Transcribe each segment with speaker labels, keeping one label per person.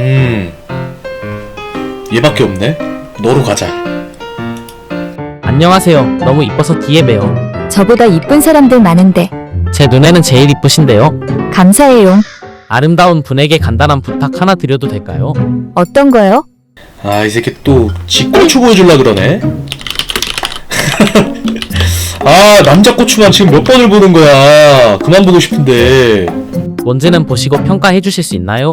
Speaker 1: 얘밖에 없네. 너로 가자.
Speaker 2: 안녕하세요. 너무 이뻐서 뒤에 봬요.
Speaker 3: 저보다 이쁜 사람들 많은데.
Speaker 2: 제 눈에는 제일 이쁘신데요.
Speaker 3: 감사해요.
Speaker 2: 아름다운 분에게 간단한 부탁 하나 드려도 될까요?
Speaker 3: 어떤 거요?
Speaker 1: 아, 이 새끼 또 지 고추 보여줄라 그러네. 아, 남자 고추만 지금 몇 번을 보는 거야. 그만 보고 싶은데.
Speaker 2: 뭔지는 보시고 평가해 주실 수 있나요?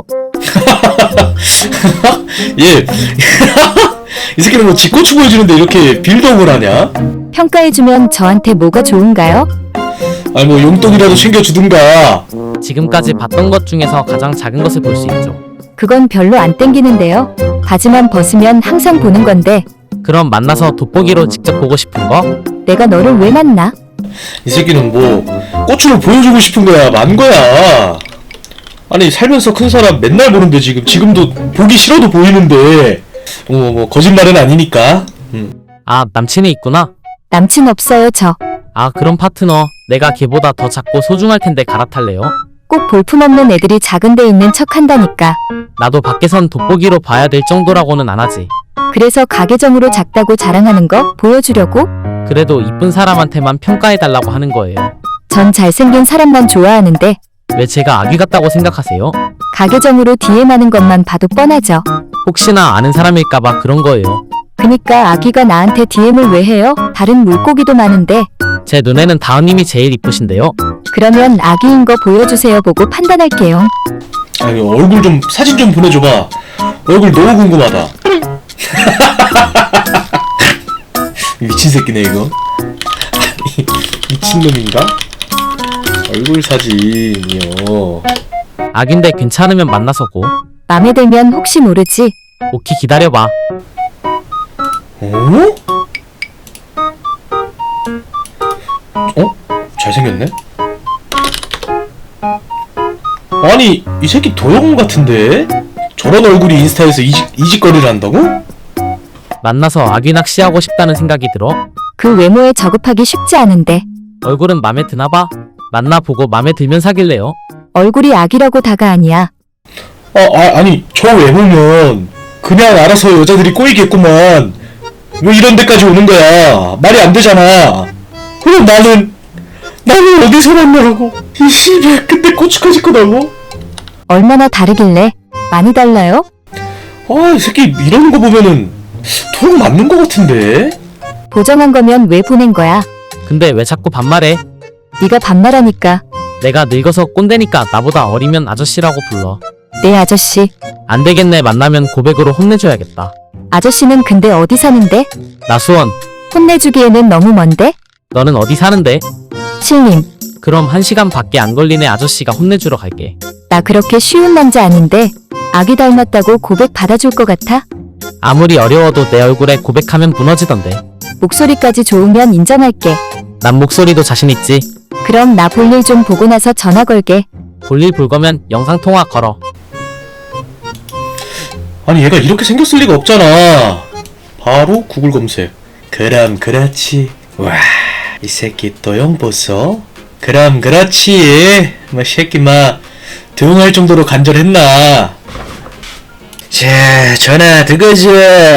Speaker 1: 예. 이 새끼는 뭐 지 고추 보여주는데 이렇게 빌드업을 하냐?
Speaker 3: 평가해주면 저한테 뭐가 좋은가요?
Speaker 1: 아니 뭐 용돈이라도 챙겨주든가.
Speaker 2: 지금까지 봤던 것 중에서 가장 작은 것을 볼 수 있죠.
Speaker 3: 그건 별로 안 땡기는데요. 바지만 벗으면 항상 보는 건데
Speaker 2: 그럼 만나서 돋보기로 직접 보고 싶은 거?
Speaker 3: 내가 너를 왜 만나?
Speaker 1: 이 새끼는 뭐 고추를 보여주고 싶은 거야, 만 거야. 아니 살면서 큰 사람 맨날 보는데 지금도 보기 싫어도 보이는데 뭐 거짓말은 아니니까.
Speaker 2: 아, 남친이 있구나?
Speaker 3: 남친 없어요 저.
Speaker 2: 아, 그럼 파트너. 내가 걔보다 더 작고 소중할 텐데 갈아탈래요?
Speaker 3: 꼭 볼품없는 애들이 작은 데 있는 척 한다니까.
Speaker 2: 나도 밖에선 돋보기로 봐야 될 정도라고는 안 하지.
Speaker 3: 그래서 가계정으로 작다고 자랑하는 거 보여주려고?
Speaker 2: 그래도 이쁜 사람한테만 평가해달라고 하는 거예요.
Speaker 3: 전 잘생긴 사람만 좋아하는데
Speaker 2: 왜 제가 아기 같다고 생각하세요?
Speaker 3: 가계정으로 DM 하는 것만 봐도 뻔하죠.
Speaker 2: 혹시나 아는 사람일까봐 그런 거예요.
Speaker 3: 그니까 아기가 나한테 DM을 왜 해요? 다른 물고기도 많은데.
Speaker 2: 제 눈에는 다은님이 제일 이쁘신데요.
Speaker 3: 그러면 아기인 거 보여주세요 보고 판단할게요.
Speaker 1: 아니 얼굴 좀 사진 좀 보내줘봐. 얼굴 너무 궁금하다. 미친 새끼네 이거. 아니 미친놈인가? 얼굴 사진이요.
Speaker 2: 아긴데 괜찮으면 만나서고.
Speaker 3: 맘에 들면 혹시 모르지.
Speaker 2: 오키 기다려봐.
Speaker 1: 어? 어? 잘생겼네? 아니 이 새끼 도영 같은데? 저런 얼굴이 인스타에서 이직거리를 한다고?
Speaker 2: 만나서 아기 낚시하고 싶다는 생각이 들어.
Speaker 3: 그 외모에 저급하기 쉽지 않은데.
Speaker 2: 얼굴은 맘에 드나봐. 만나보고 맘에 들면 사귈래요.
Speaker 3: 얼굴이 아기라고 다가 아니야.
Speaker 1: 아니 저 외모면 그냥 알아서 여자들이 꼬이겠구만. 왜 이런 데까지 오는 거야? 말이 안 되잖아. 그럼 나는 어디서 만나라고? 이 씨발 근데 고추까지 끄다고?
Speaker 3: 얼마나 다르길래? 많이 달라요?
Speaker 1: 이 새끼 이러는 거 보면은 도영 맞는 거 같은데?
Speaker 3: 보정한 거면 왜 보낸 거야?
Speaker 2: 근데 왜 자꾸 반말해?
Speaker 3: 네가 반말하니까.
Speaker 2: 내가 늙어서 꼰대니까 나보다 어리면 아저씨라고 불러.
Speaker 3: 네 아저씨.
Speaker 2: 안 되겠네. 만나면 고백으로 혼내줘야겠다.
Speaker 3: 아저씨는 근데 어디 사는데?
Speaker 2: 나 수원.
Speaker 3: 혼내주기에는 너무 먼데?
Speaker 2: 너는 어디 사는데?
Speaker 3: 신림.
Speaker 2: 그럼 1시간 밖에 안 걸리네. 아저씨가 혼내주러 갈게.
Speaker 3: 나 그렇게 쉬운 남자 아닌데 아기 닮았다고 고백 받아줄 것 같아?
Speaker 2: 아무리 어려워도 내 얼굴에 고백하면 무너지던데.
Speaker 3: 목소리까지 좋으면 인정할게.
Speaker 2: 난 목소리도 자신 있지.
Speaker 3: 그럼 나 볼일 좀 보고 나서 전화 걸게.
Speaker 2: 볼일 볼 거면 영상통화 걸어.
Speaker 1: 아니 얘가 이렇게 생겼을 리가 없잖아. 바로 구글 검색. 그럼 그렇지. 와, 이 새끼 도영 보소. 그럼 그렇지. 뭐 새끼 막 도용할 정도로 간절했나. 자, 전화 드거지.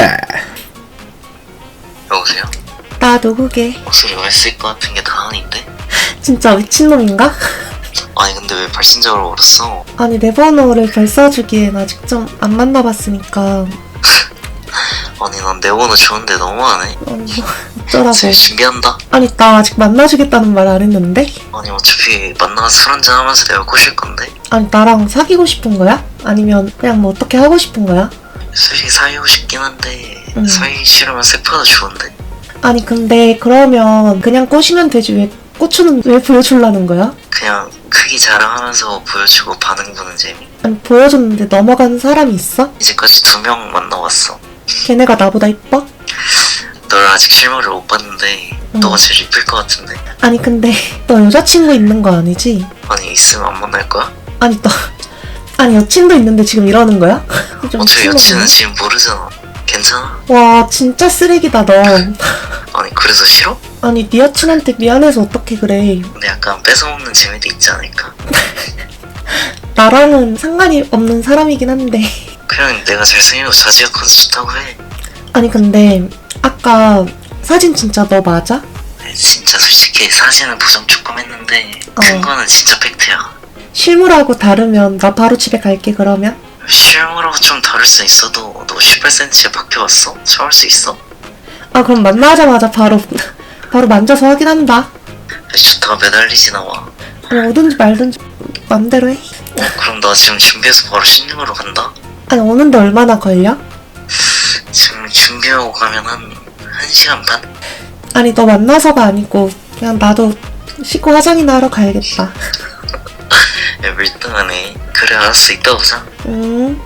Speaker 4: 여보세요?
Speaker 5: 나 누구게?
Speaker 4: 목소리가 했을 것 같은 게 다은인데?
Speaker 5: 진짜 미친놈인가?
Speaker 4: 아니 근데 왜 발신자로 걸었어?
Speaker 5: 아니 내 번호를 별 써주기엔 아직 좀 안 만나봤으니까.
Speaker 4: 아니 난 내 번호 좋은데 너무하네.
Speaker 5: 아니 뭐 어쩌라고.
Speaker 4: 제 준비한다.
Speaker 5: 아니 나 아직 만나주겠다는 말 안 했는데?
Speaker 4: 아니 어차피 만나서 술 한잔 하면서 내가 꼬실 건데?
Speaker 5: 아니 나랑 사귀고 싶은 거야? 아니면 그냥 뭐 어떻게 하고 싶은 거야?
Speaker 4: 솔직히 사귀고 싶긴 한데
Speaker 5: 응.
Speaker 4: 사귀기 싫으면 세파도 좋은데?
Speaker 5: 아니 근데 그러면 그냥 꼬시면 되지 왜 고추는 왜 보여주려는 거야?
Speaker 4: 그냥 크기 자랑하면서 보여주고 반응 보는 재미?
Speaker 5: 아니 보여줬는데 넘어가는 사람이 있어?
Speaker 4: 이제까지 2명 만나봤어.
Speaker 5: 걔네가 나보다 이뻐?
Speaker 4: 널 아직 실물을 못 봤는데
Speaker 5: 응.
Speaker 4: 너가 제일 이쁠 것 같은데?
Speaker 5: 아니 근데 너 여자친구 있는 거 아니지?
Speaker 4: 아니 있으면 안 만날 거야?
Speaker 5: 아니 너 아니 여친도 있는데 지금 이러는 거야? 좀
Speaker 4: 어차피
Speaker 5: 미친놈이네.
Speaker 4: 여친은 지금 모르잖아. 괜찮아?
Speaker 5: 와 진짜 쓰레기다 너.
Speaker 4: 아니 그래서 싫어?
Speaker 5: 아니 네 여친한테 미안해서 어떻게 그래.
Speaker 4: 근데 약간 뺏어먹는 재미도 있지 않을까?
Speaker 5: 나랑은 상관이 없는 사람이긴 한데
Speaker 4: 그냥 내가 잘생기고 자지가 커서 좋다고 해.
Speaker 5: 아니 근데 아까 사진 진짜 너 맞아?
Speaker 4: 아니, 진짜 솔직히 사진은 보정 조금 했는데 근거는 진짜 팩트야.
Speaker 5: 실물하고 다르면 나 바로 집에 갈게 그러면.
Speaker 4: 실물하고 좀 다를 수 있어도 너 18cm에 박혀왔어? 참을 수 있어?
Speaker 5: 아 그럼 만나자마자 바로 바로 만져서 확인한다.
Speaker 4: 좋다가 매달리지 나와.
Speaker 5: 아니 오든지 말든지 맘대로 해.
Speaker 4: 그럼 나 지금 준비해서 바로 신림으로 간다?
Speaker 5: 아니 오는데 얼마나 걸려?
Speaker 4: 지금 준비하고 가면 한 1시간 반?
Speaker 5: 아니 너 만나서가 아니고 그냥 나도 씻고 화장이나 하러 가야겠다.
Speaker 4: 야 밀당하네. 그래 알았어 이따 보자.
Speaker 5: 응.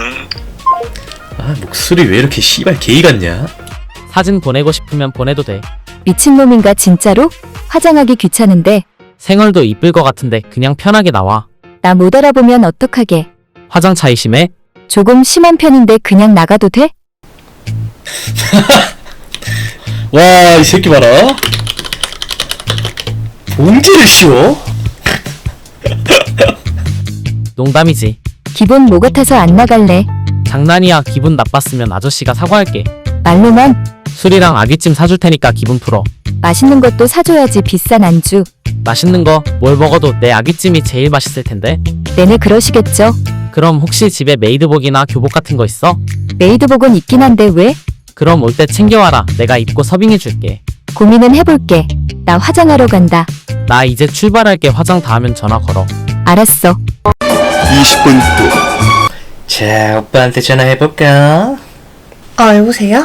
Speaker 1: 아 목소리 왜 이렇게 씨발 게이 같냐?
Speaker 2: 사진 보내고 싶으면 보내도 돼.
Speaker 3: 미친놈인가 진짜로? 화장하기 귀찮은데
Speaker 2: 생얼도 이쁠 것 같은데 그냥 편하게 나와.
Speaker 3: 나 못 알아보면 어떡하게.
Speaker 2: 화장 차이 심해?
Speaker 3: 조금 심한 편인데 그냥 나가도 돼?
Speaker 1: 와 이 새끼 봐라. 봉지를 씌워?
Speaker 2: 농담이지.
Speaker 3: 기분 뭐 같아서 안 나갈래.
Speaker 2: 장난이야. 기분 나빴으면 아저씨가 사과할게.
Speaker 3: 말로만
Speaker 2: 술이랑 아귀찜 사줄 테니까 기분 풀어.
Speaker 3: 맛있는 것도 사줘야지. 비싼 안주.
Speaker 2: 맛있는 거 뭘 먹어도 내 아귀찜이 제일 맛있을 텐데.
Speaker 3: 내내 그러시겠죠.
Speaker 2: 그럼 혹시 집에 메이드복이나 교복 같은 거 있어?
Speaker 3: 메이드복은 있긴 한데 왜?
Speaker 2: 그럼 올 때 챙겨와라. 내가 입고 서빙해 줄게.
Speaker 3: 고민은 해볼게. 나 화장하러 간다.
Speaker 2: 나 이제 출발할게. 화장 다 하면 전화 걸어.
Speaker 3: 알았어.
Speaker 6: 20분 후.
Speaker 1: 자 오빠한테 전화해볼까?
Speaker 5: 아 여보세요?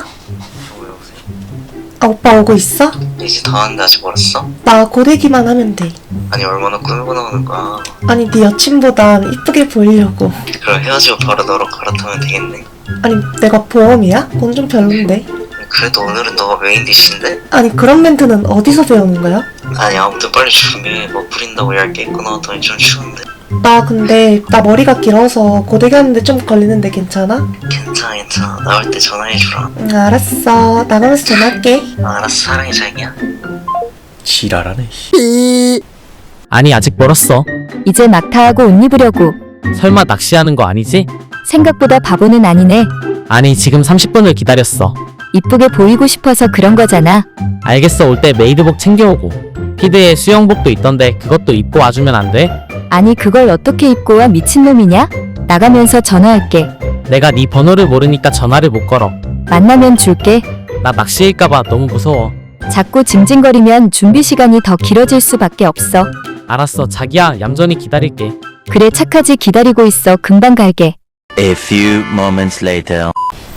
Speaker 5: 아 오빠 오고 있어?
Speaker 4: 이제 다 왔는데 아직 멀었어?
Speaker 5: 나 고데기만 하면 돼.
Speaker 4: 아니 얼마나 꾸미고 나오는 거야.
Speaker 5: 아니 네 여친보단 이쁘게 보이려고.
Speaker 4: 그럼 헤어지고 바로 너로 갈아타면 되겠네.
Speaker 5: 아니 내가 보험이야? 그건 좀 별론데.
Speaker 4: 그래도 오늘은 너가 메인 디시인데?
Speaker 5: 아니 그런 멘트는 어디서 배우는 거야?
Speaker 4: 아니 아무튼 빨리 준비해. 뭐 부린다고 얇게 입고 나왔더니 좀 추운데.
Speaker 5: 나 근데 나 머리가 길어서 고데기 하는데 좀 걸리는데 괜찮아?
Speaker 4: 괜찮아 나올 때 전화해주라.
Speaker 5: 응 알았어. 나가면서 전화할게.
Speaker 4: 알았어 사랑해 자기야.
Speaker 1: 지랄하네 씨.
Speaker 2: 아니 아직 멀었어.
Speaker 3: 이제 막타하고 옷 입으려고.
Speaker 2: 설마 낚시하는 거 아니지?
Speaker 3: 생각보다 바보는 아니네.
Speaker 2: 아니 지금 30분을 기다렸어.
Speaker 3: 이쁘게 보이고 싶어서 그런 거잖아.
Speaker 2: 알겠어. 올 때 메이드복 챙겨오고. 피드에 수영복도 있던데 그것도 입고 와주면 안 돼?
Speaker 3: 아니 그걸 어떻게 입고 와. 미친놈이냐? 나가면서 전화할게.
Speaker 2: 내가 네 번호를 모르니까 전화를 못 걸어.
Speaker 3: 만나면 줄게.
Speaker 2: 나 낚시일까봐 너무 무서워.
Speaker 3: 자꾸 징징거리면 준비 시간이 더 길어질 수밖에 없어.
Speaker 2: 알았어 자기야. 얌전히 기다릴게.
Speaker 3: 그래 착하지. 기다리고 있어. 금방 갈게.
Speaker 6: A few moments later.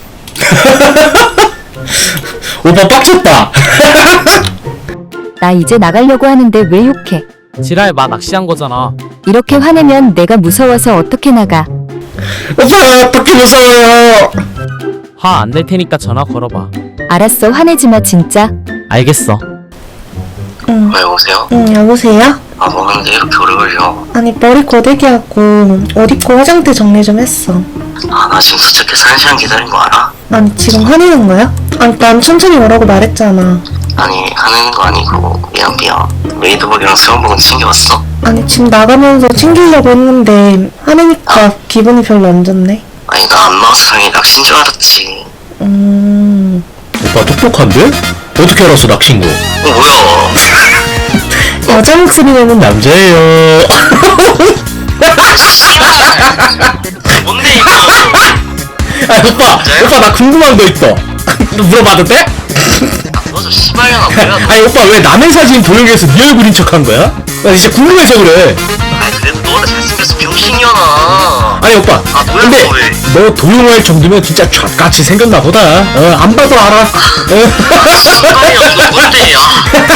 Speaker 1: 오빠 빡쳤다.
Speaker 3: 나 이제 나가려고 하는데 왜 욕해?
Speaker 2: 지랄 마. 낚시한 거잖아.
Speaker 3: 이렇게 화내면 내가 무서워서 어떻게 나가.
Speaker 1: 오빠 어떻게 무서워요?
Speaker 2: 화 안 낼 테니까 전화 걸어봐.
Speaker 3: 알았어. 화내지 마 진짜.
Speaker 2: 알겠어.
Speaker 5: 응.
Speaker 4: 왜 오세요?
Speaker 5: 응 여보세요?
Speaker 4: 아 뭐하는데 이렇게 오래 걸려.
Speaker 5: 아니 머리 고데기 하고 옷 입고 화장대 정리 좀 했어.
Speaker 4: 아 나 지금 도착해서 1시간 기다린 거 알아?
Speaker 5: 아니 지금 화내는 거야? 아니 난 천천히 오라고 말했잖아.
Speaker 4: 아니 화내는 거 아니고 미안. 메이드복이랑 수영복은 챙겨왔어?
Speaker 5: 아니 지금 나가면서 챙기려고 했는데 화내니까 기분이 별로 안 좋네.
Speaker 4: 아니 나 안 나와서 당연히 낚시인 줄 알았지.
Speaker 1: 오빠 똑똑한데? 어떻게 알았어 낚시인 거?
Speaker 4: 뭐야.
Speaker 1: 여자 목소리 내는 남자예요.
Speaker 4: 뭔데 이거.
Speaker 1: 아 오빠 나 궁금한 거 있어. 물어봐도 돼?
Speaker 4: 너저 씨발년아 뭐야.
Speaker 1: 아니 오빠 왜 남의 사진 도용해서 네 얼굴인 척한 거야? 나 진짜 궁금해서 그래.
Speaker 4: 아니 그래도 너는 잘생겨서 병신이잖아.
Speaker 1: 아니 오빠
Speaker 4: 아 뭐야
Speaker 1: 근데
Speaker 4: 너 왜.
Speaker 1: 너 도용할 정도면 진짜 족같이 생겼나 보다. 안 봐도 알아.
Speaker 4: 씨발년 너 뭔데 야.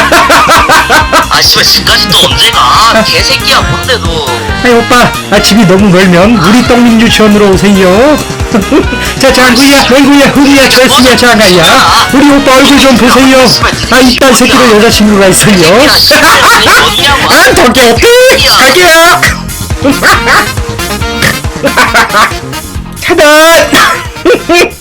Speaker 4: 아 씨발 집까지 또 언제 가. 개새끼야 뭔데 너.
Speaker 1: 아니 오빠 집이 너무 멀면 우리 떡민 유치원으로 오세요. 자 장구야 맹구야 후리야 철수야 장아야 우리 오빠 얼굴 좀 보세요. 아 이딴 새끼도 여자친구가 있어요.
Speaker 4: 야 씨발 어디냐고.
Speaker 1: 아 덕게 갈게요. 차단.